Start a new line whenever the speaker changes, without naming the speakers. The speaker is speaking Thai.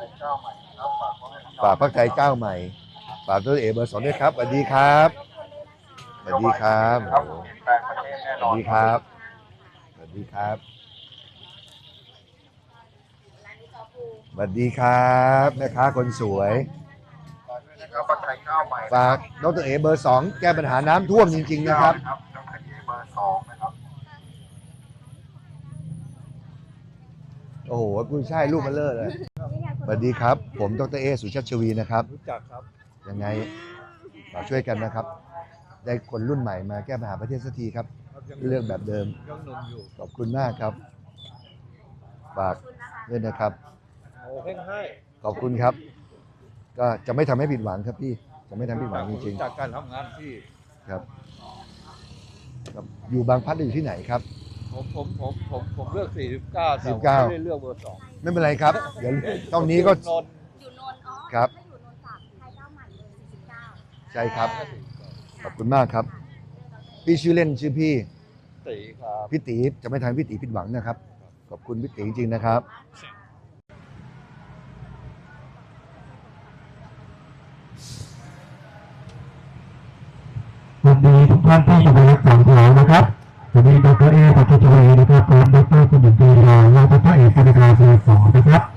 ฝากพรรคไทยก้าวใหม่ฝากตัวเอกเบอร์ 2ด้วยครับสวัสดีครับสวัสดีครับสวัสดีครับสวัสดีครับสวัสดีครับแม่ค้าคนสวยฝากดรเอเบอร์ 2แก้ปัญหาน้ำท่วมจริงๆนะครับโอ้โหคุณใช่รูปมันเลิศเลยสวัสดีครับผมดรเอสุชาติชวีนะครับ
รู้จักครับ
ยังไงเราช่วยกันนะครับได้คนรุ่นใหม่มาแก้ปัญหาประเทศสักทีครับเรื่องแบบเดิม
ยังหนุ่มอยู่
ขอบคุณมากครับฝากด้วยนะครับ
โอ้เพ่งให้
ขอบคุณครับก็จะไม่ทำให้ผิดหวังครับพี่จะไม่ทำให้ผิดหวังจริง
ๆจากการทำงานที่
ครับอยู่บางพลัดอยู่ที่ไหนครับ
ผมเลือก49แต่ไม่ได้เลือกเบอร์ 2
ไม่เป็นไรครับเดี๋ยวตรงนี้ก็
อยู่นนท์
ครับ
ถ้าอยู่นนท์จากไทยก้าวใหม่เลย49
ใช่ครับขอบคุณมากครับพี่ชื่อเล่นชื่อพี่
ตีครับ
พี่ตีจะไม่ทำให้พี่ตีผิดหวังนะครับขอบคุณพี่ตีจริงๆนะครับ
สวัสดีทุกท่านที่อยู่ในรักษาแถวนะครับสวัสดีดรเอปัจจุบันนะครับผมดรคุณหญิงปีรองและดรเอกคณิกาเบอร์ 2นะครับ